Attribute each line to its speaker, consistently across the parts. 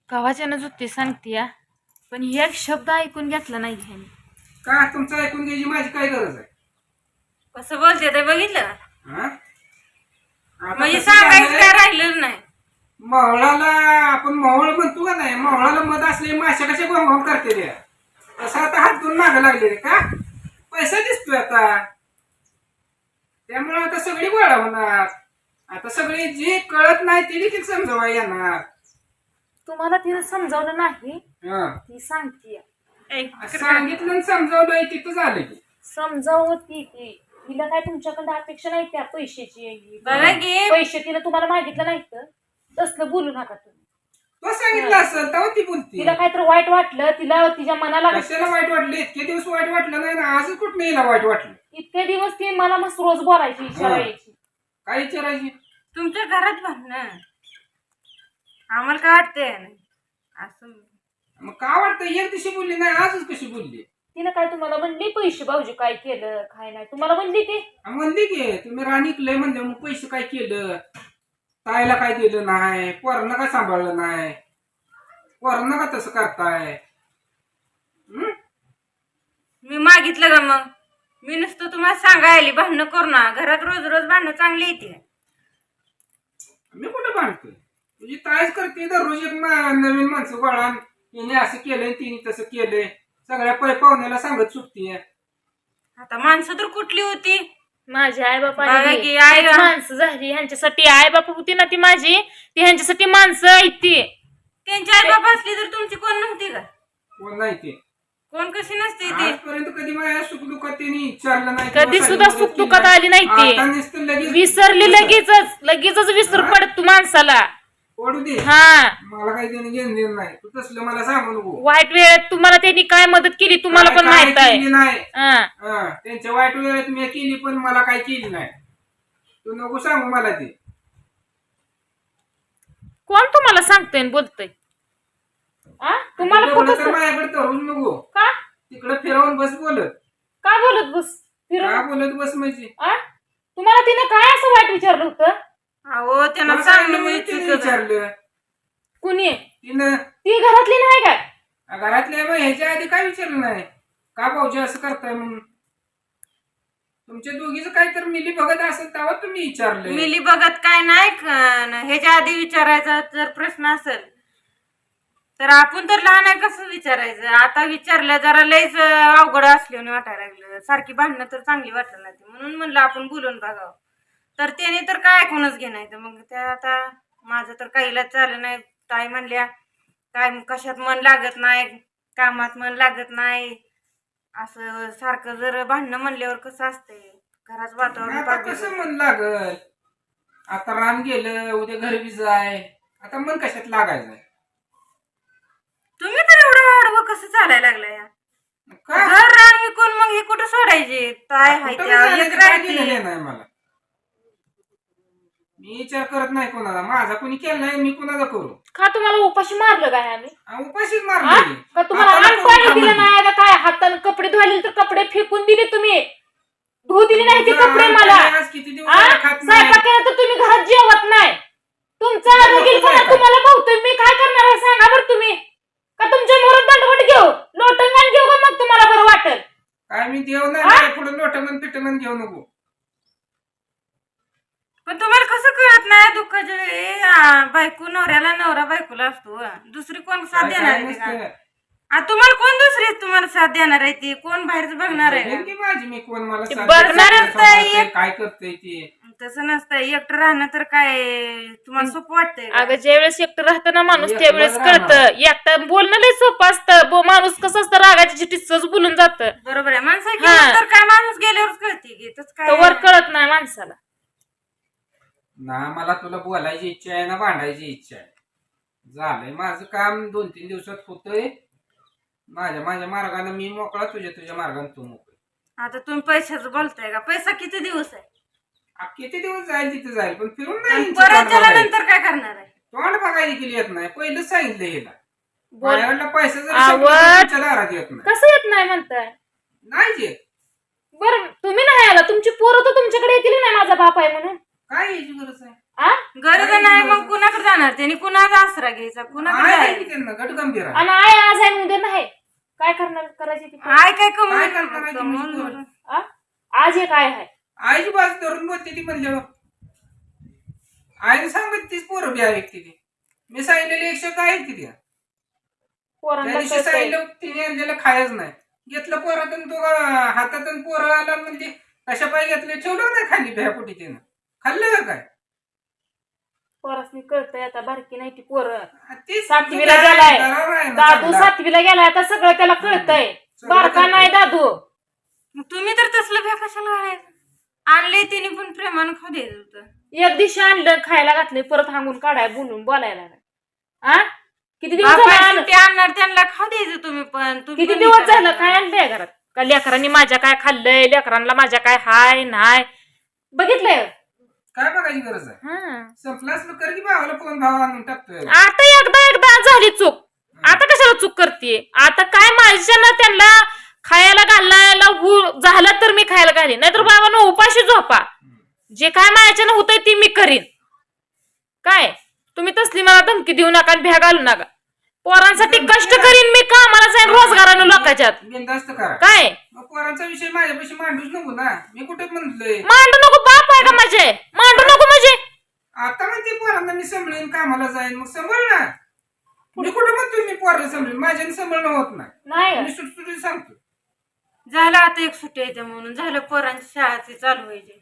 Speaker 1: कवाच्यानं जुती सांगते या, पण एक शब्द ऐकून घेतला नाही ह्याने.
Speaker 2: का तुमचं ऐकून घ्यायची माझी काय गरज आहे?
Speaker 1: कसं बोलते ते बघितलं का?
Speaker 2: हा? आता
Speaker 1: म्हणजे
Speaker 2: कसं
Speaker 1: सांगायचं
Speaker 2: झालंय,
Speaker 1: काय राहिलं नाही.
Speaker 2: मावळाला आपण मावळ म्हणतो का नाही, मावळाला मध असले माश्या कशा गोंगाम करते रे. तसं आता हात धुवून मागं लागले रे. का पैसा दिसतोय आता, त्यामुळे आता सगळी गोळा होणार. आता सगळे जे कळत नाही ते देखील समजावा येणार.
Speaker 1: तुम्हाला तिने समजावलं नाही,
Speaker 2: हं.
Speaker 1: ती सांगते.
Speaker 2: सांगितलं आणि समजावलं तिथं झालं की.
Speaker 1: समजावती ती, तिला काय तुमच्याकडे अपेक्षा नाही त्या पैशाची.
Speaker 3: बघा की
Speaker 1: पैसे तिला तुम्हाला मागितलं नाही तर तसलं बोलू नका तुम्ही.
Speaker 2: तो सांगितलं असेल तेव्हा ती बोलती.
Speaker 1: तिला काहीतरी वाईट वाटलं, तिला तिच्या मनाला
Speaker 2: कशाला वाईट वाटलं? इतके दिवस वाईट वाटलं नाही ना, आजच कुठं हिला वाईट वाटलं?
Speaker 1: इतके दिवस ती मला मस्त रोज बोलायची, विचारायची.
Speaker 2: काय विचारायची?
Speaker 3: तुमच्या घरात भांडणं आम्हाला काय वाटतंय असं.
Speaker 2: मग का वाटतं एक दिवशी बोलली नाही, आजच कशी बोलली?
Speaker 1: तिला काय तुम्हाला म्हणली पैसे भाऊजी काय केलं काय नाही तुम्हाला म्हणली ते?
Speaker 2: म्हणली की तुम्ही राणीकलंय म्हणजे मग पैसे काय केलं, ताईला काय दिलं नाही, पोरांना काय सांभाळलं नाही, पोरांना का तसं करताय?
Speaker 3: मी मागितलं का मग? मी नुसतं तुम्हाला सांगायली भांडणं करू ना. घरात रोज रोज भांडणं चांगली येते.
Speaker 2: मी कुठं भांडतोय? तुझी ताईच करते दररोज एक नवीन माणसं गोळा, तिने असं केलंय तिने तसं केलंय, सगळ्या पाहुण्याला सांगत सुटतीये.
Speaker 3: आता माणसं तर कुठली होती?
Speaker 1: माझी आई बापा
Speaker 3: बघा की आई
Speaker 1: माणसं झाली, ह्यांच्यासाठी आई बापा होती ना ती माझी, ती ह्यांच्यासाठी माणसं आहेत ती.
Speaker 3: त्यांची आई बाबा असली तर तुमची कोण नव्हती का?
Speaker 2: कोण नाही ते
Speaker 3: कोण कशी नसते ती?
Speaker 2: आजपर्यंत कधी माझ्या सुखदुःखात त्यांनी विचारलं नाही,
Speaker 1: कधी सुद्धा सुख दुःखात आली नाही
Speaker 2: आता
Speaker 1: ती.
Speaker 2: नुसतं लगेच
Speaker 1: विसरली लगेचच विसर पडत तू माणसाला.
Speaker 2: पडू दे,
Speaker 1: हा,
Speaker 2: मला काही देणं घेणं देणं नाही. तू तसलं मला सांगू नको.
Speaker 1: वाईट वेळेत तुम्हाला त्यांनी काय मदत केली तुम्हाला पण
Speaker 2: काय
Speaker 1: माहित आहे.
Speaker 2: केली नाही.
Speaker 1: हा.
Speaker 2: त्यांच्या वाईट वेळेत मी केली पण मला काय केली नाही. तू नको सांगू मला ते.
Speaker 1: कोण तुम्हाला सांगतोय आणि बोलतोय? तुम्हाला
Speaker 2: बोललं तर
Speaker 1: कुठं
Speaker 2: माझ्याकडे धरून नको,
Speaker 1: का
Speaker 2: तिकडे फिरवून बस बोलत.
Speaker 1: का बोलत बस फिरून?
Speaker 2: का बोलत बस म्हणजे
Speaker 1: तुम्हाला तिने काय असं वाईट विचारलं होतं?
Speaker 3: अहो त्यांना
Speaker 2: मला
Speaker 3: सांगणं
Speaker 2: सांगितलं
Speaker 3: म्हणजे
Speaker 2: तिने
Speaker 3: चुकीचं आहे.
Speaker 2: विचारलं
Speaker 1: कुणी?
Speaker 2: तिनं.
Speaker 1: ती घरातली नाही काय?
Speaker 2: घरातल्या मग ह्याच्या आधी काय विचारलं नाही का भाऊजी असं करताय म्हणून? तुमच्या दोघीच काय तर मिली बघत असेल तेव्हा तुम्ही विचारले.
Speaker 3: मिली बघत काय नाही ह्याच्या आधी विचारायचा जर प्रश्न असेल तर आपण तर लहान आहे, कसं विचारायचं? आता विचारलं जरा लयच अवघड असल्याने वाटायला लागलं. सारखी भांडणं तर चांगली वाटलं नाही, म्हणून म्हणलं आपण बोलून बघावं. तर त्याने तर काय ऐकूनच घेणार. मग त्या आता माझं तर काहीला चाललं नाही. ताई म्हणल्या काय कशात मन लागत नाही, कामात मन लागत नाही, असं सारखं जर भांडणं म्हणल्यावर कसं असतंय घराचं वातावरण
Speaker 2: आता कसं मन लागल? आता रान गेलं, उद्या घर बी जाय, आता मन कशात लागायचं?
Speaker 3: तुम्ही तर एवढं वाढवं कसं चालायला लागलाय?
Speaker 2: का
Speaker 3: घर रान विकून मग हे कुठं सोडायचे? काय हाय
Speaker 2: कुठं
Speaker 3: त्या
Speaker 2: झालं
Speaker 3: एक
Speaker 2: ते काय
Speaker 3: राहते.
Speaker 2: केलेलं नाही मला. मी विचार करत नाही कोणाला, माझा कोणी केला नाही, मी कोणाला करू?
Speaker 1: का तुम्हाला उपाशी मारलं काय आम्ही?
Speaker 2: उपाशीच मारले.
Speaker 1: का तुम्हाला अन्न पाणी दिलं नाही का काय? हाताने कपडे धुवायले तर कपडे फेकून दिले तुम्ही, धुवू दिले नाही ते कपडे मला.
Speaker 2: आज किती दिवस झाले खात नाही.
Speaker 1: स्वयंपाक केला तर तुम्ही घरात जेवत नाही. तुमचा रगीलपणा तुम्हाला भावतोय. मी काय करणार आहे सांगा बरं तुम्ही? का तुमच्या मोरात दंडवट घेऊ, लोटंगण घेऊ का मग तुम्हाला बरं वाटेल?
Speaker 2: काय मी देव नाही, पुढे लोटंगण पिटंगण घेऊ नको.
Speaker 3: पण तुम्हाला कसं कळत नाही दुःखाच्या वेळी बायको नवऱ्याला, नवरा बायकोला असतो. दुसरी कोण साथ
Speaker 2: काय
Speaker 3: देणार आहे
Speaker 2: नसतं.
Speaker 3: का? तुम्हाला कोण दुसरी तुम्हाला साथ देणार आहे? ती कोण बाहेरच बघणार आहे
Speaker 2: बघेन
Speaker 3: का?
Speaker 2: की माझी मी कोण मला
Speaker 1: ते
Speaker 2: साथ
Speaker 1: बघणारच
Speaker 2: देतं,
Speaker 3: नाही.
Speaker 2: सांभाळतंय, काय करतंय ते.
Speaker 3: तसं नसतं. एकटं राहणं तर काय तुम्हाला सोपं वाटतंय का?
Speaker 1: अगं ज्यावेळेस एकटं राहतं ना माणूस
Speaker 2: एकटं
Speaker 1: त्यावेळेस
Speaker 2: राहणार.
Speaker 1: कळतं. एकटं बोलणं लय सोपं असतं. माणूस कसं असतं रागाच्या चिठ्ठीत सहज बोलून जातं.
Speaker 3: बरोबर आहे. माणसाची
Speaker 1: हा.
Speaker 3: किंमत तर काय माणूस गेल्यावरच कळते की तसं
Speaker 1: तर वर
Speaker 3: काय.
Speaker 1: कळत नाही माणसाला.
Speaker 2: ना मला तुला बोलायची इच्छा आहे ना भांडायची इच्छा आहे. झालंय माझं काम 2-3 दिवसात होतंय. माझ्या मार्गाने मी मोकळा, तुझ्या मार्गाने तू मोकळी.
Speaker 3: आता तुम्ही पैशाचं बोलताय का? पैसा किती दिवस आहे?
Speaker 2: किती दिवस जाईल तिथे जाईल, पण फिरून नाही
Speaker 3: आणि
Speaker 2: यांची
Speaker 3: परत
Speaker 2: तोंड
Speaker 3: त्याला
Speaker 2: बघायची.
Speaker 3: नंतर काय करणार आहे?
Speaker 2: तोंड बघायला गेली येत नाही. पहिलंच सांगितलं हिला,
Speaker 1: बोल
Speaker 2: माझ्याकडला पैसा जर
Speaker 1: आवड.
Speaker 2: संपला तर तुमच्या दारात येत नाही.
Speaker 1: कसं येत नाही म्हणताय?
Speaker 2: नाही येत.
Speaker 1: बरं तुम्ही नाही आला, तुमची पोरं तर तुमच्याकडे येतील नाही माझा बाप आहे म्हणून.
Speaker 2: काय यायची गरज आहे?
Speaker 1: आ
Speaker 3: गरज नाही मग कुणाकडे जाणार त्यांनी कुणाचा आसरा घ्यायचा कुणाकडे
Speaker 2: आहे
Speaker 3: जायचं?
Speaker 2: की त्यांना गटगंभीर आहे.
Speaker 1: आणि आय आज आहे उद्या नाही काय करणार करायची ती
Speaker 3: आय काय
Speaker 2: काय करणार आहे तुम्ही
Speaker 3: कमवून
Speaker 2: पोरं?
Speaker 1: आ? आज एक आहे
Speaker 2: आईची बाजू धरून बोलते ती म्हणल्यावर आईने सांगत तीच पोरं बी ऐकते ती. मी सांगितलेली एक शब्द ऐकते ती. त्या
Speaker 1: पोरांना
Speaker 2: दिवशी
Speaker 1: कळतंय.
Speaker 2: सांगितलं तिने आणलेलं खायच नाही घेतलं पोरातून तो हातातून पोरं आला म्हणजे कशा पाय घेतलं ठेवलं नाही खाली भ्यापोटी तिनं खाल्लं का काय
Speaker 1: पोरासनी कळतंय आता बारकी नाही ती पोरं
Speaker 2: तीच
Speaker 1: सातवीला
Speaker 2: तुझं
Speaker 1: गेलाय.
Speaker 2: दरावर आहे ना
Speaker 1: दादू
Speaker 2: चांगला.
Speaker 1: सातवीला गेलाय आता सगळं त्याला कळतंय
Speaker 2: सगळं
Speaker 1: बारका
Speaker 2: कळतंय.
Speaker 1: नाही दादू
Speaker 3: मग तुम्ही तर तसलं भ्या कशाला घालायचं आणले तिने पण प्रेमानं खाऊ द्यायचं होतं
Speaker 1: एक दिवशी आणलं खायला घातलं परत हांगून काढाय बोलून बोलायला लागला. आ किती दिवस
Speaker 3: बापाय
Speaker 1: झालं आणलं?
Speaker 3: सुट्टी आणणार त्यांना खाऊ द्यायचं तुम्ही पण तुम्ही
Speaker 1: किती
Speaker 3: पण
Speaker 1: दिवस
Speaker 3: विचारायचं.
Speaker 1: झालं काय आणलंय घरात का लेकरांनी माझ्या काय खाल्लंय लेकरांना माझ्या काय हाय नाय बघितलंय
Speaker 2: काय बघायची गरज आहे
Speaker 1: हा.
Speaker 2: संपलं असलं कर की भावाला फोन भाव आणून टाकतोय
Speaker 1: आता एकदा झाली चूक आता कशाला चूक करते आता काय माझ्यानं त्यांना खायला घालायला झालं तर मी खायला घालीन नाहीतर बाबांना उपाशी झोपा जे काय माझ्यानं होतंय ते मी करीन काय तुम्ही तसली मला धमकी देऊ नका आणि भ्या घालू नका पोरांसाठी कष्ट करीन मी कामाला जाईन रोजगारानं लोकांच्यात
Speaker 2: बिनधास्त करा
Speaker 1: काय
Speaker 2: मग पोरांचा विषय माझ्यापाशी मांडूच नको ना मी कुठे म्हणलोय
Speaker 1: मांडू नको बाप आहे का माझे मांडू नको म्हणजे
Speaker 2: आता म्हणते पोरांना मी सांभाळीन कामाला जाईन मग सांभाळ ना मी कुठे म्हणतोय मी पोराला सांभाळीन माझ्याने सांभाळणं होत नाही
Speaker 1: नाही
Speaker 2: मी सुटसुटीत सांगतो
Speaker 3: झालं आता एक सुट्टी येते म्हणून झालं पोरांची शाळाची चालू व्हायची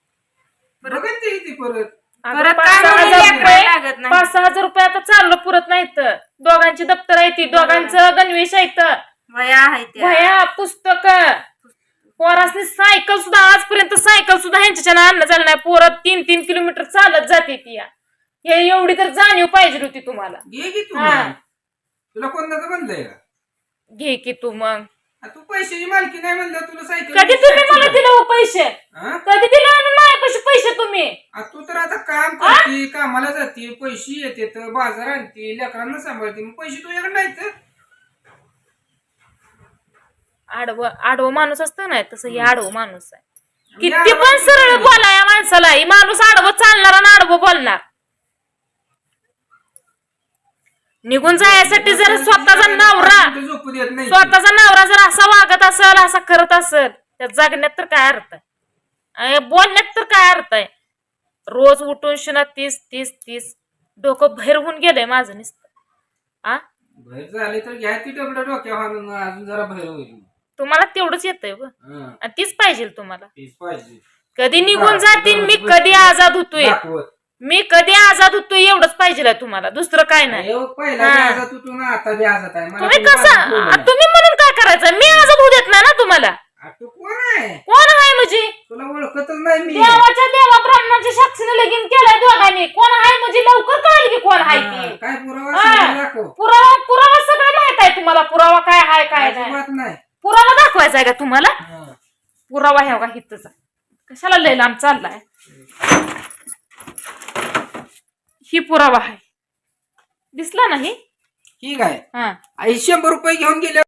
Speaker 2: बघत ते किती परत
Speaker 3: परत
Speaker 1: पाच
Speaker 3: काय
Speaker 1: सहा
Speaker 3: म्हणून
Speaker 1: हजार
Speaker 3: लेकराला
Speaker 1: रुपये
Speaker 3: लागत नाही.
Speaker 1: 5-6 हजार रुपये आता चाललं पुरत नाहीत दोघांची दप्तर आहे ती दोघांचं गणवेश आहेत
Speaker 3: वया आहे त्या
Speaker 1: वह्या पुस्तक पोरासनी सायकल सुद्धा आजपर्यंत सायकल सुद्धा ह्यांच्याच्यानं आणणं झालं नाही पोरं 3-3 किलोमीटर चालत जाते ती हे एवढी तर जाणीव पाहिजे होती तुम्हाला
Speaker 2: घे की तू
Speaker 1: हा.
Speaker 2: मग. तुला कोण नका म्हणलंय का
Speaker 1: घे की तू मग
Speaker 2: आ, तू पैशाची मालकी नाही म्हणलं तुला सायकल
Speaker 1: कधी तुम्ही मला दिलं हो पैसे
Speaker 2: हा?
Speaker 1: कधी दिलं आणून माझ्यापाशी पैसे तुम्ही
Speaker 2: आ, तू तर आता काम करते कामाला जाते पैसे येते तर बाजार आणते लेकरांना सांभाळते मग पैसे तुझ्याकडे नाहीत
Speaker 1: आडवं माणूस असतं ना तसं हे आडवं माणूस आहे
Speaker 2: मी
Speaker 1: किती
Speaker 2: आडवं
Speaker 1: पण
Speaker 2: किती
Speaker 1: सरळ
Speaker 2: बोललो?
Speaker 1: बोला या माणसाला ही माणूस आडवं चालणार आणि आडवं बोलणार निघून जायसाठी जर स्वतःचा नवरा
Speaker 2: कुठे झोपू देत नाही
Speaker 1: स्वतःचा नवरा जर असा वागत असेल असा करत असेल त्या जगण्यात तर काय अर्थ आहे बोलण्यात तर काय अर्थ आहे रोज उठून शिना 30 डोकं बाहेर होऊन गेलंय माझं नुसतं आ
Speaker 2: बाहेर झाले तर घ्या ती डबडं डोक्या हाणून अजून जरा बाहेर होईल
Speaker 1: तुम्हाला तेवढंच येतंय व
Speaker 2: हा,
Speaker 1: आणि तीच पाहिजे तुम्हाला
Speaker 2: तीच पाहिजे
Speaker 1: कधी निघून जातील मी कधी आजाद होतोय
Speaker 2: दाखवत
Speaker 1: मी कधी आजाद होतोय एवढंच पाहिजे तुम्हाला दुसरं काय नाही
Speaker 2: अयो, पहिला
Speaker 1: हा.
Speaker 2: व्याजात तू ना आता व्याजात आहे मला
Speaker 1: तुम्ही
Speaker 2: कोणी
Speaker 1: कसं
Speaker 2: बाजूला बोललं नाही.
Speaker 1: तुम्ही म्हणून काय करायचं मी आजाद होऊ देत नाही ना तुम्हाला
Speaker 2: आ, तू कोण आहे
Speaker 1: कोण आहे म्हणजे
Speaker 2: तुला ओळखतच नाही मी
Speaker 1: देवाच्या देवा ब्राह्मणाच्या साक्षीने लगीन केलंय दोघांनी कोण आहे म्हणजे लवकर कळेल की कोण आहे
Speaker 2: हा,
Speaker 1: ती
Speaker 2: काय पुरावा
Speaker 1: हा.
Speaker 2: सांगून दाखव
Speaker 1: पुरावा सगळं माहित आहे तुम्हाला पुरावा काय आहे काय नाही
Speaker 2: अजिबात नाही
Speaker 1: पुरावा दाखवायचा आहे का तुम्हाला
Speaker 2: हा.
Speaker 1: पुरावा ह्या का हितच कशाला लय लांब चाललाय ही पुरावा आहे दिसला नाही
Speaker 2: ठीक आहे
Speaker 1: हा
Speaker 2: आई 100 रुपये घेऊन गेले